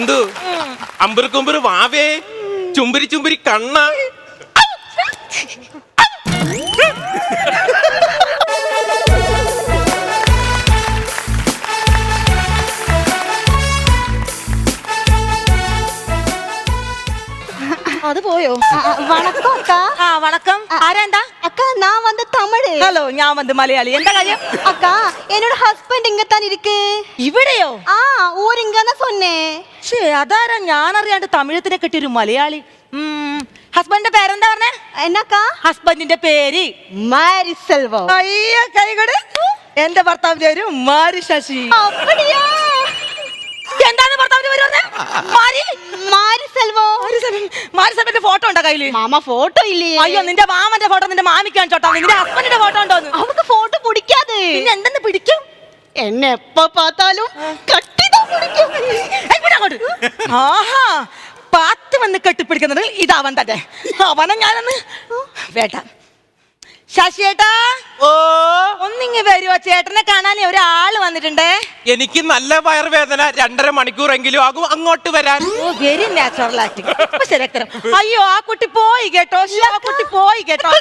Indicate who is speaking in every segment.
Speaker 1: എന്തു അമ്പുറക്കുമ്പുറ് വാവേ ചുംബരി ചുംബരി കണ്ണ
Speaker 2: அது போயோ
Speaker 3: வணக்கம் அக்கா.
Speaker 2: வணக்கம் ஆரேண்டா
Speaker 3: அக்கா நான் வந்து தமிழ்.
Speaker 2: ஹலோ நான் வந்து மலையாளி எந்த காரியம்
Speaker 3: அக்கா என்னோட ஹஸ்பண்ட் இங்க தான் இருக்கு.
Speaker 2: ഇവിടെയോ
Speaker 3: ஊர் இங்க தான் சொன்னேன்.
Speaker 2: ഛേ അതാരാ ഞാൻ അറിയാണ്ട് തമിഴത്തിനെ കെട്ടിയൊരു മലയാളി ഹസ്ബൻഡിന്റെ പേരെന്താ പറഞ്ഞേ
Speaker 3: എന്നക്കാ
Speaker 2: ഹസ്ബൻഡിന്റെ പേര്
Speaker 3: മാരി സെൽവം.
Speaker 2: അയ്യ കൈകട് എന്റെ ഭർത്താവിന്റെ പേര് മാരി ശശി
Speaker 3: அப்படியா
Speaker 2: എന്താണ് ഭർത്താവിന്റെ പേര് പറഞ്ഞേ മാരി
Speaker 3: മാരി സെൽവം.
Speaker 2: മാരി സെൽവന്റെ ഫോട്ടോ ഉണ്ടോ കയ്യില്
Speaker 3: മാമ ഫോട്ടോ ഇല്ലേ?
Speaker 2: അയ്യോ നിന്റെ മാമന്റെ ഫോട്ടോ നിന്റെ മാമിക്കാൻ ചോട്ടാ നിന്റെ ഹസ്ബൻഡിന്റെ ഫോട്ടോ ഉണ്ടോന്ന്
Speaker 3: അവർക്ക് ഫോട്ടോ പിടിക്കാതെ
Speaker 2: പിന്നെ എന്തെന്ന് പിടിക്കും
Speaker 3: എന്നെ എപ്പ பார்த்தாலும் കട്ടിതാ പിടിക്കും.
Speaker 2: അങ്ങോട്ട് ആഹാ പാത്ത് വന്ന് കെട്ടിപ്പിടിക്കുന്നത് ഇതവൻ തന്നെ അവനെ ഞാനൊന്ന് വേട്ട ശശിയേട്ടാ
Speaker 1: ഓ
Speaker 2: ഒന്നിങ്ങ് വരുവോ ചേട്ടനെ കാണാനേ ഒരാള് വന്നിട്ടുണ്ടേ
Speaker 1: എനിക്ക് നല്ല വയറുവേദന 2.5 മണിക്കൂറെങ്കിലും ആകും അങ്ങോട്ട് വരാൻ.
Speaker 2: വെരി നാച്ചുറൽ ആക്ടിങ് ശരിയാക്കരം അയ്യോ ആ കുട്ടി പോയി കേട്ടോ ആ കുട്ടി പോയി കേട്ടോ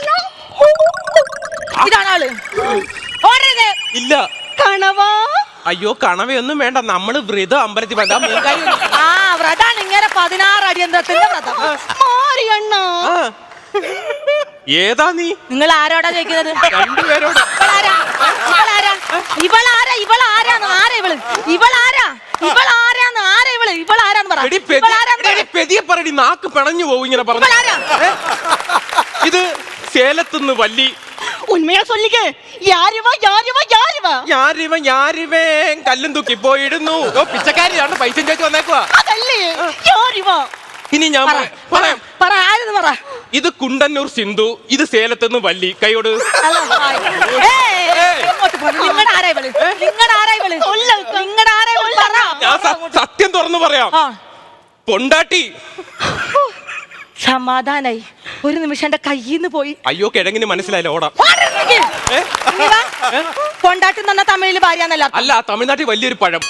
Speaker 2: ഇതാണ് ആള് ഓടരുത്
Speaker 1: ഇല്ല
Speaker 3: കണവാ
Speaker 1: അയ്യോ കണവയൊന്നും വേണ്ട നമ്മള് വ്രതം അമ്പലത്തിൽ വന്നാ
Speaker 2: ആ വ്രതാണ് ഇങ്ങനെ 16 അടിയന്തരത്തിന്റെ വ്രതം
Speaker 3: മാരിയണ്ണ.
Speaker 1: ഏതാ നീ
Speaker 2: നിങ്ങൾ ആരോടാ ചോദിക്കുന്നത്
Speaker 1: രണ്ടുപേരോട് പറയടി നാക്ക് പിണഞ്ഞു പോകും ഇങ്ങനെ പറഞ്ഞു. ഇത് സേലത്തുനിന്ന് വല്ലി
Speaker 3: ഉണ്മയാ சொல்லிக்கே யாருவா யாருவா யாருவா
Speaker 1: ഞാരിവ ഞാരിവേ കല്ലും തൂക്കി പോയിടുന്നു. ഓ പിച്ചക്കാരിയാണ് പൈസ ചോദിച്ചു വന്നേക്കുവാ.
Speaker 3: അതല്ലേ யாருவா
Speaker 1: ഇനി ഞാൻ പറയാം.
Speaker 2: പറ ആരെന്ന് പറ
Speaker 1: ഇത് കുണ്ടന്നൂർ സിന്ധു, ഇത് സേലത്തുനിന്ന് വല്ലി. കൈയോട് ഞാൻ സത്യം തുറന്നു പറയാം. പൊണ്ടാട്ടി
Speaker 2: സമാധാനായി ഒരു നിമിഷം എന്റെ കയ്യിന്ന് പോയി.
Speaker 1: അയ്യോ കിഴങ്ങിന് മനസ്സിലായില്ല ഓടാ.
Speaker 2: കൊണ്ടാട്ടി തന്ന തമിഴില് ഭാര്യ
Speaker 1: അല്ല തമിഴ്നാട്ടിൽ വലിയൊരു പഴം.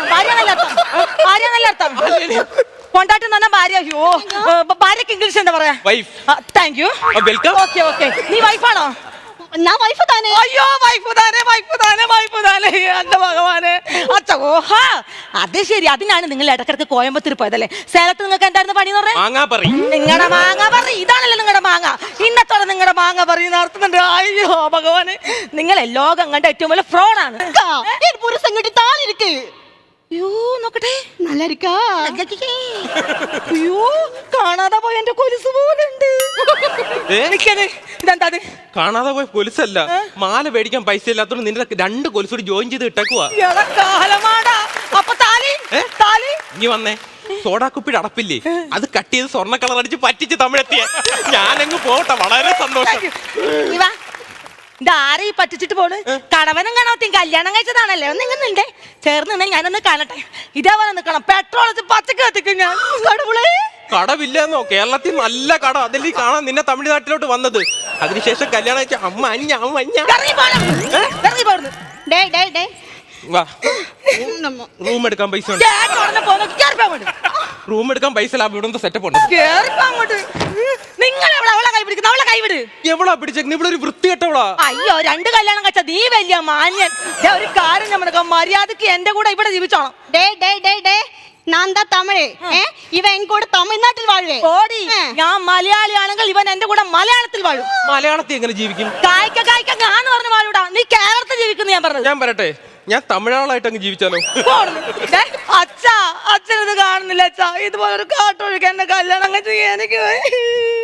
Speaker 2: കൊണ്ടാട്ടി തന്ന ഭാര്യ. അയ്യോ ഭാര്യക്ക് ഇംഗ്ലീഷ് എന്താ പറയാ?
Speaker 1: Wife.
Speaker 2: Thank you
Speaker 1: welcome.
Speaker 2: Okay okay നീ വൈഫാണോ?
Speaker 3: ഞാൻ വൈഫ് താനേ.
Speaker 2: അയ്യോ വൈഫ് താനേ എന്റെ ഭഗവാനെ അച്ചോഹാ അത് ശരി. അതിനാണ് നിങ്ങൾ ഇടക്കിടക്ക് കോയമ്പത്തൂർ പോയതല്ലേ? സേലത്ത് നിങ്ങൾക്ക് എന്തായിരുന്നു പണി എന്ന് പറഞ്ഞാൽ നിങ്ങളുടെ മാങ്ങ പറ. ഇതാണല്ലോ നിങ്ങളുടെ മാങ്ങ. ഇന്നത്തോടെ നിങ്ങളുടെ മാങ്ങ പറയുന്ന നടത്തുന്നുണ്ട്. അയ്യോ ഭഗവാന് നിങ്ങളെ ലോകം കണ്ട ഏറ്റവും വലിയ ഫ്രോഡാണ്.
Speaker 3: പുരുഷൻ കിട്ടി താനിരിക്ക്.
Speaker 2: അയ്യോ നോക്കട്ടെ
Speaker 3: നല്ല ഇരിക്കാ.
Speaker 2: അയ്യോ കാണാതെ പോയ എന്റെ കൊലുസ് പോലെ ഉണ്ട്. ഇതെന്താ
Speaker 1: കാണാതെ പോയ കൊലുസല്ല, മാല മേടിക്കാൻ പൈസ ഇല്ലാത്തോണ്ട് നിന്റെ 2 കൊലുസൂടി ജോയിൻ ചെയ്ത് ഇട്ടേക്കുവാ.
Speaker 2: അപ്പൊ താലി
Speaker 1: ഇനി വന്നേ. സോഡാക്കുപ്പിയുടെ അടപ്പില്ലേ അത് കട്ട് ചെയ്ത് സ്വർണ്ണ കളർ അടിച്ച് പറ്റിച്ച് തമിഴെത്തിയ ഞാനങ്ങ് പോട്ടെ. വളരെ സന്തോഷം.
Speaker 2: ഇതാരെ പറ്റിച്ചിട്ട് പോണ്? കടവനും കണവത്തിയും കല്യാണം കഴിച്ചതാണല്ലേ? ഒന്ന് ഇങ്ങനെ ചേർന്ന് ഞാനൊന്ന് കാണട്ടെ. ഇതേപോലെ നിക്കണം. പെട്രോൾ പച്ചക്ക് കത്തിക്കും ഞാൻ.
Speaker 1: കടവില്ലെന്നോ? കേരളത്തിൽ നല്ല കട. അതിൽ കാണാൻ നിന്നെ തമിഴ്നാട്ടിലോട്ട് വന്നത്. അതിനുശേഷം കല്യാണം കഴിച്ച അമ്മ റൂം എടുക്കാൻ പൈസ ഉണ്ട്. റൂം എടുക്കാൻ പൈസ ഇവിടെ സെറ്റപ്പ് ഉണ്ട്. എവളാ പിടിച്ചേക്കുന്നത്? ഇവിടെ ഒരു വൃത്തികെട്ടവളാ.
Speaker 2: അയ്യോ 2 കല്യാണം കഴിച്ച നീ വലിയ മാന്യൻ. ഒരു കാര്യം നമ്മൾ മര്യാദക്ക് എന്റെ കൂടെ ഇവിടെ ജീവിച്ചോണം.
Speaker 3: ഞാൻ തമിഴ്. ഇവൻ എൻ കൂടെ തമിഴ്നാട്ടിൽ വാഴേ.
Speaker 2: ഓടി ഞാൻ മലയാളിയാണെങ്കിൽ ഇവൻ എന്റെ കൂടെ മലയാളത്തിൽ വാഴും.
Speaker 1: മലയാളത്തിൽ എങ്ങനെ ജീവിക്കും?
Speaker 2: കായ്ക്ക ഞാൻ പറഞ്ഞു വാഴൂടാ. നീ കേരളത്തിൽ ജീവിക്കുന്നു ഞാൻ പറഞ്ഞത്.
Speaker 1: ഞാൻ പറയട്ടെ, ഞാൻ തമിഴാളായിട്ട് അങ്ങ് ജീവിച്ചാലോ?
Speaker 2: അച്ഛനത് കാണുന്നില്ല അച്ഛാ. ഇതുപോലെ ഒരു കാട്ടൊഴുക്ക് എന്നെ കല്യാണം കഴിച്ച് എനിക്ക്